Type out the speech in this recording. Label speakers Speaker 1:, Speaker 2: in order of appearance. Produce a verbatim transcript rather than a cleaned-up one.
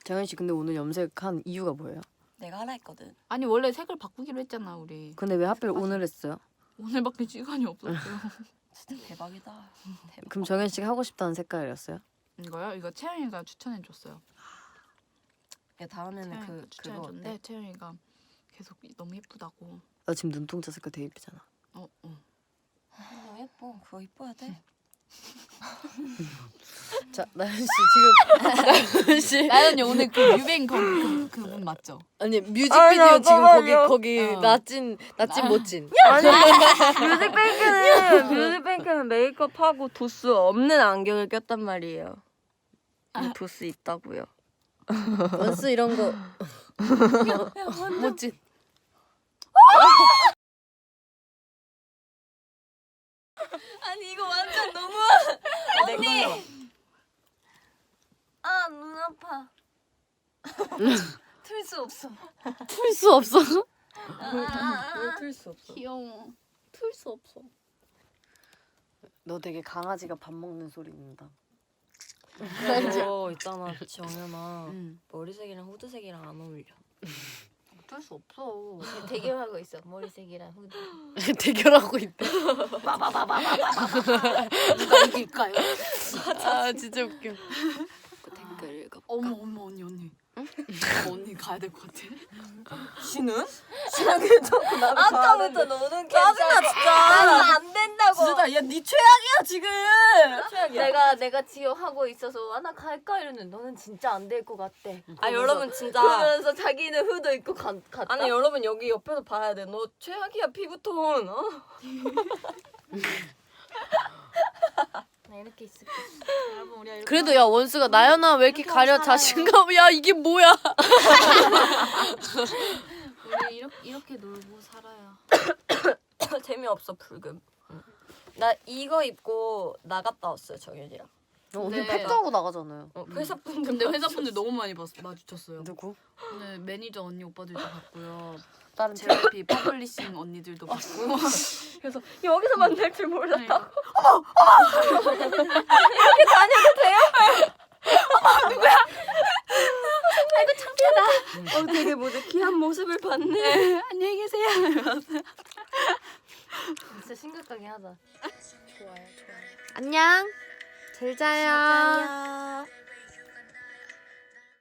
Speaker 1: 정현 씨 근데 오늘 염색한 이유가 뭐예요?
Speaker 2: 내가 하라 했거든.
Speaker 3: 아니 원래 색을 바꾸기로 했잖아 우리.
Speaker 1: 근데 왜 하필 오늘 했어요?
Speaker 3: 오늘밖에 시간이 없었어요.
Speaker 2: 진짜 대박이다. 대박.
Speaker 1: 그럼 정현 씨가 하고 싶다는 색깔이었어요?
Speaker 3: 이거요? 이거 채영이가 추천해줬어요.
Speaker 2: 야 다음에는
Speaker 3: 채영이가
Speaker 2: 그 그거
Speaker 3: 추천해줬는데
Speaker 2: 어때?
Speaker 3: 채영이가 계속 너무 예쁘다고.
Speaker 1: 나 지금 눈동자 색깔 되게 예쁘잖아.
Speaker 3: 어, 어.
Speaker 2: 너무 예뻐. 그거 이뻐야 돼.
Speaker 1: 자 나연 씨 지금 나연 씨
Speaker 3: 나연이 오늘 그 뮤뱅 거기 그, 그분 맞죠?
Speaker 1: 아니 뮤직비디오
Speaker 4: 아,
Speaker 1: 지금 거기
Speaker 4: 잠깐만요.
Speaker 1: 거기
Speaker 3: 어.
Speaker 1: 나찐 나찐 멋진.
Speaker 4: 아니 뮤직뱅크는 뮤직뱅크는 메이크업하고 도수 없는 안경을 꼈단 말이에요. 이 도수 있다고요.
Speaker 1: 원스 이런 거 멋진.
Speaker 4: 아니 이거 완전 너무 언니. 아 눈 아파. 틀 수 없어.
Speaker 1: 풀 수 없어.
Speaker 2: 틀 수 없어.
Speaker 3: 귀여워. 틀 수 없어.
Speaker 1: 너 되게 강아지가 밥 먹는 소리 난다.
Speaker 4: 너 있잖아 정연아.
Speaker 1: 응.
Speaker 4: 머리색이랑 후드색이랑 안 어울려.
Speaker 3: 어쩔 수 없어.
Speaker 4: 대결하고 있어 머리색이랑 후드.
Speaker 1: 대결하고 있대.
Speaker 3: 누가 이길까요?
Speaker 1: 아 진짜 웃겨.
Speaker 4: 그 댓글 읽어.
Speaker 3: 어머 어머 언니 언니. 응? 언니 가야 될 것 같아.
Speaker 4: 씨는? 씨는 괜찮고 나도 아까부터 너는 괜찮아. 짜증나 진짜. 나는 안 된다고.
Speaker 2: 진짜 야네 최악이야 지금.
Speaker 4: 내가 내가 지금 하고 있어서 아 나 갈까 이러는데 너는 진짜 안 될 것 같대.
Speaker 2: 아 여러분 진짜.
Speaker 4: 그러면서 자기는 후드 입고 가, 갔다. 아니 여러분 여기 옆에서 봐야 돼. 너 최악이야 피부톤. 어? 나 이렇게 있을게.
Speaker 3: 여러분 우리가 이렇게
Speaker 1: 그래도 야 원수가 나연아 왜 이렇게 가려
Speaker 4: 살아요.
Speaker 1: 자신감. 야 이게 뭐야?
Speaker 3: 우리 이렇게 이렇게 놀고 살아요.
Speaker 4: 재미없어 불금. 나 이거 입고 나갔다 왔어요 정연이랑.
Speaker 1: 오늘
Speaker 3: 네.
Speaker 1: 팩도 하고 나가잖아요.
Speaker 4: 어, 회사 분들.
Speaker 3: 근데 회사분들 너무 많이 봤, 마주쳤어요.
Speaker 1: 누구?
Speaker 3: 오늘 매니저 언니 오빠들도 봤고요.
Speaker 1: 다른 팀.
Speaker 3: 제이피 퍼블리싱 언니들도 봤고.
Speaker 4: 그래서 여기서 만날 줄 몰랐다.
Speaker 3: 그러니까.
Speaker 4: 이렇게 다녀도 돼요?
Speaker 3: 아이고 창피하다.
Speaker 4: 어 되게 뭐지 귀한 모습을 봤네.
Speaker 3: 안녕히 계세요.
Speaker 4: 진짜 심각하게 하자. 좋아요 좋아요.
Speaker 1: 안녕. 잘 자요.
Speaker 4: 야